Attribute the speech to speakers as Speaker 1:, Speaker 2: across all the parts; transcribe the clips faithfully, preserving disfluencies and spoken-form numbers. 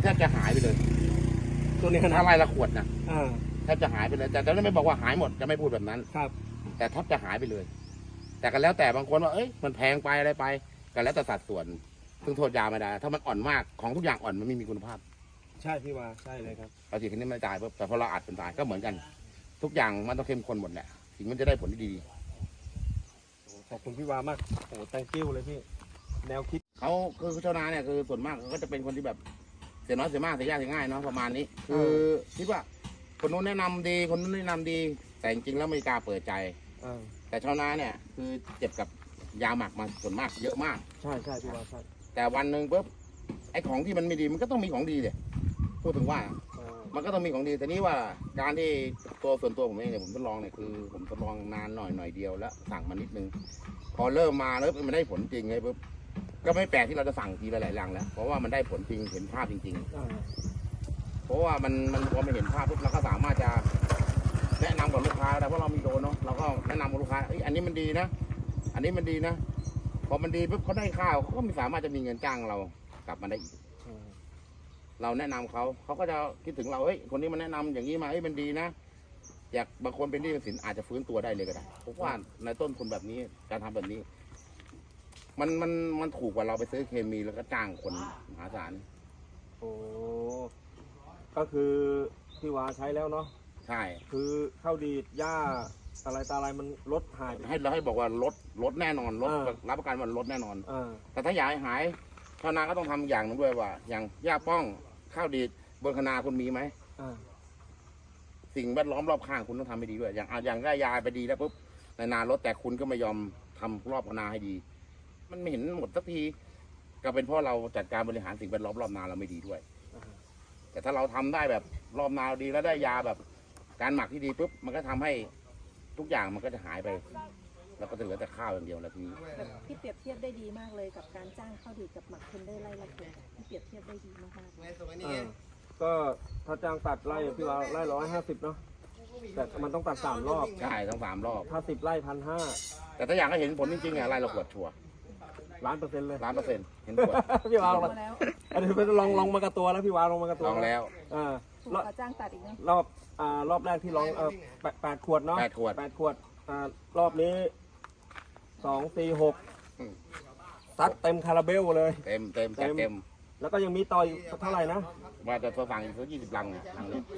Speaker 1: ทบจะหายไปเลย
Speaker 2: ตัวนี้
Speaker 1: ถ้าไร่ละขวดนะแทบจะหายไปเลยแต่จะไม่บอกว่าหายหมดจะไม่พูดแบบนั้น
Speaker 2: ครับ
Speaker 1: แต่แทบจะหายไปเลยแต่ก็แล้วแต่บางคนว่าเอ้ยมันแพงไปอะไรไปก็แล้วแต่สัดส่วนซึ่งโทษยาไม่ได้ถ้ามันอ่อนมากของทุกอย่างอ่อนมันไม่มีคุณภาพ
Speaker 2: ใช่พี่ว่าใช่เลยครับ
Speaker 1: เราฉีดแค่นี้ไม่ตายแต่พอเราอัดเป็นตายก็เหมือนกันทุกอย่างมันต้องเข้มข้นหมดแหละถึงมันจะได้ผลที่ดี
Speaker 2: ขอบคุณพี่วามากโอ้ thank you เลยพี่แนวคิด
Speaker 1: เขาคือชาวนาเนี่ยคือส่วนมากเขาก็จะเป็นคนที่แบบเสียน้อยเสียมากเสียยากเสียง่ายเนาะประมาณนี้คือคิดว่าคนนู้นแนะนำดีคนนู้นแนะนำดีแต่จริงๆแล้วไม่กล้าเปิดใจแต่ชาวนาเนี่ยคือเจ็บกับยาหมักมาส่วนมากเยอะมาก
Speaker 2: ใช่ใช่พี่วาใช่
Speaker 1: แต่วันหนึ่งปุ๊บไอ้ของที่มันไม่ดีมันก็ต้องมีของดีเลยพูดถึงว่ามันก็ต้องมีของดีแต่นี้ว่าการที่ตัวส่วนตัวผมเองเนี่ยผมทดลองเนี่ยคือผมทดลองนานหน่อยหน่อยเดียวแล้วสั่งมานิดนึงพอเริ่มมาแล้วมันได้ผลจริงไงปุ๊บก็ไม่แปลกที่เราจะสั่งทีละหลายรังแล้วเพราะว่ามันได้ผลจริงเห็นภาพจริงๆเพราะว่ามันมันพอมันเห็นภาพปุ๊บเราก็สามารถจะแนะนำกับลูกค้าได้เพราะเรามีโดนเนาะเราก็แนะนำกับลูกค้าอันนี้มันดีนะอันนี้มันดีนะพอมันดีปุ๊บเขาได้ข้าวเขาก็ไม่สามารถจะมีเงินจ้างเรากลับมาได้อีกเราแนะนำเขาเขาก็จะคิดถึงเราเฮ้ยคนนี้มันแนะนำอย่างนี้มาเฮ้ยมันดีนะอยากบางคนเป็นหนี้เป็นสินอาจจะฟื้นตัวได้เลยก็ได้เพราะว่าในต้นทุนแบบนี้การทำแบบนี้มันมันมันถูกกว่าเราไปซื้อเคมีแล้วก็จ้างคนมหาศาล
Speaker 2: โอ้ก็คือพี่วาใช้แล้วเนาะ
Speaker 1: ใช่
Speaker 2: คือข้าวดีดหญ้าอะไรตาอะไรมันลดหาย
Speaker 1: ให้เราให้บอกว่าลดลดแน่นอนลดรับประกันว่าลดแน่นอนแต่ถ้าอยากให้หายชาวนาก็ต้องทำอย่างนึงด้วยว่าอย่างหญ้าป้องข้าวดีดบนคณาคุณมีไหมสิ่งแวดล้อมรอบข้างคุณต้องทำให้ดีด้วยอย่างอย่างได้ยาไปดีแล้วปุ๊บในนาลดแต่คุณก็ไม่ยอมทำรอบคณาให้ดีมันไม่เห็นหมดสักทีก็เป็นเพราะเราจัดการบริหารสิ่งแวดล้อมรอบนาเราไม่ดีด้วยแต่ถ้าเราทำได้แบบรอบนาดีแล้วได้ยาแบบการหมักที่ดีปุ๊บมันก็ทำให้ทุกอย่างมันก็จะหายไปแล้วก็จะเหลือแต่ข้าวอย่างเดียวแล้วทีนี้
Speaker 3: พี่เปรียบเทียบได้ดีมากเลยกับการจ้างข้าวดีกับหมักเทนเดอร์ไร่ละเกพี่เปรียบเทียบได้ดีมากๆ
Speaker 2: ก็ถ้าจ้างตัดไร่พี่ว่าไร่ร้อยห้าสิบเนาะแต่มันต้องตัดสามรอบ
Speaker 1: ใช่ต้องสามรอบ
Speaker 2: ถ้าสิบไร่พันห้า
Speaker 1: แต่ถ้าอยากให้เห็นผลจริงๆอ่ะไร่ละขวดชัวร์
Speaker 2: ล้านเปอร์เซ็นต์เลย
Speaker 1: ล้านเปอร์เซ็นต์เห็นผล
Speaker 2: พี่วาลองแล้วอันนี้เป็นลองลองมากระตัวแล้วพี่วาลองมากระตัว
Speaker 1: ลองแล้ว
Speaker 2: อ่า
Speaker 3: จ้างตัดอีกนะ
Speaker 2: รอบอ่ารอบแรกที่ลองเออแปดขวดเนาะ
Speaker 1: แปดขวด
Speaker 2: แปดขวดอ่ารอบนี้สองสี่หกซัดเต็มคาราเบลเลย
Speaker 1: เต็มเต็มเต็ม
Speaker 2: แล้วก็ยังมีต่ออีกเท่าไหร่นะ
Speaker 1: ว่าจะตัวฝั่งอีกสักยี่สิบลังเนี่ยลังนี้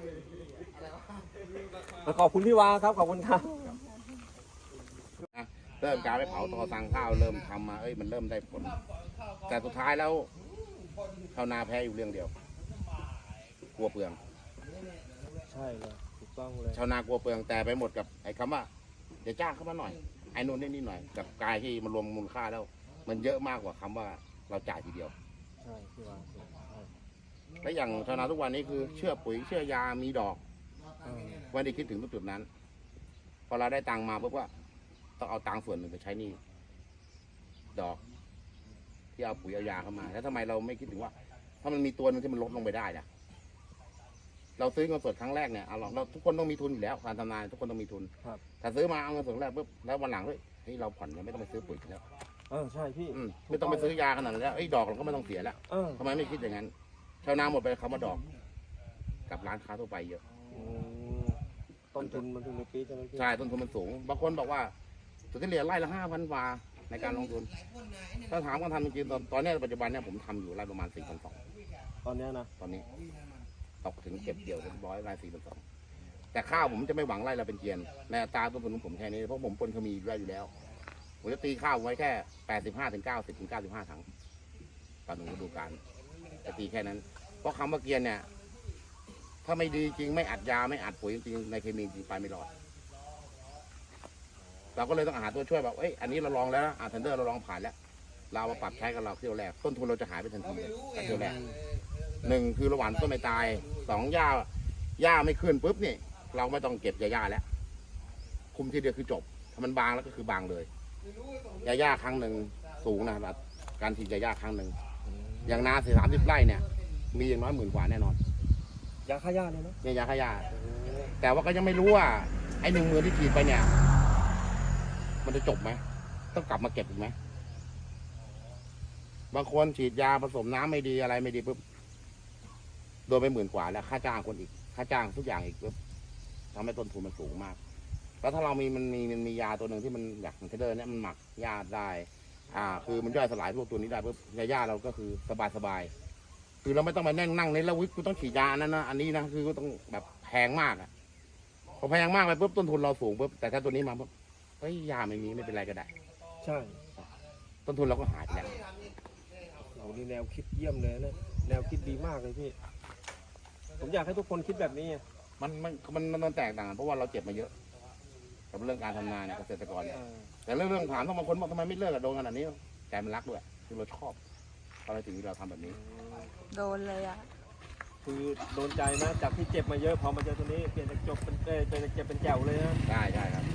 Speaker 2: ขอบคุณพี่วาครับขอบคุณครับ
Speaker 1: เริ่มการไปเผาตอสั่งข้าวเริ่มทำมาเอ้ยมันเริ่มได้ผลแต่สุดท้ายแล้วชาวนาแพ้อยู่เรื่องเดียวกลัวเปลือง
Speaker 2: ใช่เลยถูกต้องเลย
Speaker 1: ชาวนากลัวเปลืองแต่ไปหมดกับไอ้คำว่าเดี๋ยวจ้างเข้ามาหน่อยไอ้นู่นนี่นี่หน่อยกับกายที่มันรวมมูลค่าแล้วมันเยอะมากกว่าคำว่าเราจ่ายทีเดียว
Speaker 2: ใช่พี่วา
Speaker 1: และอย่างชาวนาทุกวันนี้คือเชื่อปุ๋ยเชื่อยามีดอกวันนี้คิดถึงจุดนั้นพอเราได้ตังมาปุ๊บว่าต้องเอาตังส่วนหนึ่งไปใช้นี่ดอกที่เอาปุ๋ยเอายาเข้ามาแล้วทำไมเราไม่คิดถึงว่าถ้ามันมีตัวนึงที่มันลดลงไปได้ล่ะเราซื้อเงินสดครั้งแรกเนี่ยเอาเราทุกคนต้องมีทุนอยู่แล้วการทำงานทุกคนต้องมีทุนถ้าซื้อมาเอาเงินสดแรกปุ๊บแล้ววันหลังเฮ้ยเฮ้ยเราผ่อนเราไม่ต้องไปซื้อปุ๋ยแล้ว
Speaker 2: เออใช่พี่
Speaker 1: ไม่ต้องไปซื้อยาขนาดนั้นแล้วไอ้ดอกเราก็ไม่ต้องเสียแล้วทำไมไม่คิดอย่างนั้นชาวนาหมดไปคำว่าดอกกับร้านค้าทั่วไปเยอะ
Speaker 2: ต้นทุนมันถึงในปีใช่ไหมพี่
Speaker 1: ใช่ต้นทุนมันสูงบางคนบอกว่าสุดที่เหลือไร่ละห้าพันบาทในการลงทุนถ้าถามกันทำจริงๆตอนนี้ปัจจุบันเนี่ยผมทำอยู่ไร่ประมาณสี่พันสอง
Speaker 2: ตอนนี้นะ
Speaker 1: ตอนนี้ตกถึงเก็บเกี่ยวเรียบร้อยไร่สี่พันสองแต่ข้าวผมจะไม่หวังไร่ละเป็นเกียนในอัตราต้นทุนของผมแค่นี้เพราะผมปนขมีไร่อยู่แล้วผมจะตีข้าวไว้แค่แปดสิบห้าถึงเก้าสิบถึงเก้าสิบห้าถังต่อหนึ่งฤดูกาลจะตีแค่นั้นเพราะคำว่าเกียนเนี่ยถ้าไม่ดีจริงไม่อัดยาไม่อัดปุ๋ยจริงในเคมีจริงไปไม่รอดเราก็เลยต้องหาตัวช่วยแบบเอ้ยอันนี้เราลองแล้วนะอ่าเทนเดอร์เราลองผ่านแล้วเรามาปรับใช้กับเราเที่ยวแรกต้นทุนเราจะหายไปทันทีเลยเที่ยวแรกหนึ่งคือระหว่างต้นไม่ตายสองหญ้าหญ้าไม่ขึ้นปุ๊บนี่เราไม่ต้องเก็บหญ้าแล้วคุมทีเดียวคือจบถ้ามันบางแล้วก็คือบางเลยหญ้าครั้งหนึ่งสูงนะครับการฉีดหญ้าครั้งหนึ่งอย่างนาสี่สามสิบไร่เนี่ยมีอย่างน้อยหมื่นกว่าแน่นอน
Speaker 2: ยาฆ่าหญ้าเลยเนาะ
Speaker 1: เนี่ยยาฆ่าหญ้าแต่ว่าก็ยังไม่รู้ว่าไอ้หนึ่งหมื่นที่ฉีดไปเนี่ยมันจะจบไหมต้องกลับมาเก็บอีกไหมบางคนฉีดยาผสมน้ำไม่ดีอะไรไม่ดีปุ๊บโดนไปหมื่นกว่าแล้วค่าจ้างคนอีกค่าจ้างทุกอย่างอีกปุ๊บทำให้ต้นทุนมันสูงมากแล้วถ้าเรามีมันมีมันมียาตัวหนึ่งที่มันอยากเทเดอร์เนี่ยมันหมักหญ้าได้อ่าคือมันย่อยสลายพวกตัวนี้ได้ปุ๊บยาหญ้าเราก็คือสบายสบายคือเราไม่ต้องมานั่งนั่งในแล้ววิกูต้องฉีดยาอันนั้นนะอันนี้นะคือก็ต้องแบบแพงมากอ่ะพอแพงมากไปปุ๊บต้นทุนเราสูงปุ๊บแต่ถ้าตัวนี้มาปุ๊บเฮ้ยยาไม่มีไม่เป็นไรก็ได้
Speaker 2: ใช่
Speaker 1: ต้นทุนเราก็หายไปแล้ว
Speaker 2: โอ้โหนี่แนวคิดเยี่ยมเลยนะแนวคิดดีมากเลยพี่ผมอยากให้ทุกคนคิดแบบนี้
Speaker 1: มันมันมันมันแตกต่างกันเพราะว่าเราเจ็บมาเยอะกับเรื่องการทำนาเนี่ยเกษตรกรเนี่ย
Speaker 2: เออ
Speaker 1: แต่เรื่องเรื่องถามต้องบางคนบอกทำไมไม่เลิกกับโดนขนาดนี้ใจมันรักด้วยคือเราชอบอะไรถึงที่เราทำแบบนี้
Speaker 3: โดนเลยอ่ะ
Speaker 2: คือโดนใจนะจากที่เจ็บมาเยอะพอมาเจอตัวนี้เปลี่ยนจากจบเป็นเอ้ยเปลี่ยนจากเจ็บเป็นแจ๋วเลยนะ
Speaker 1: ได้ได้ครับ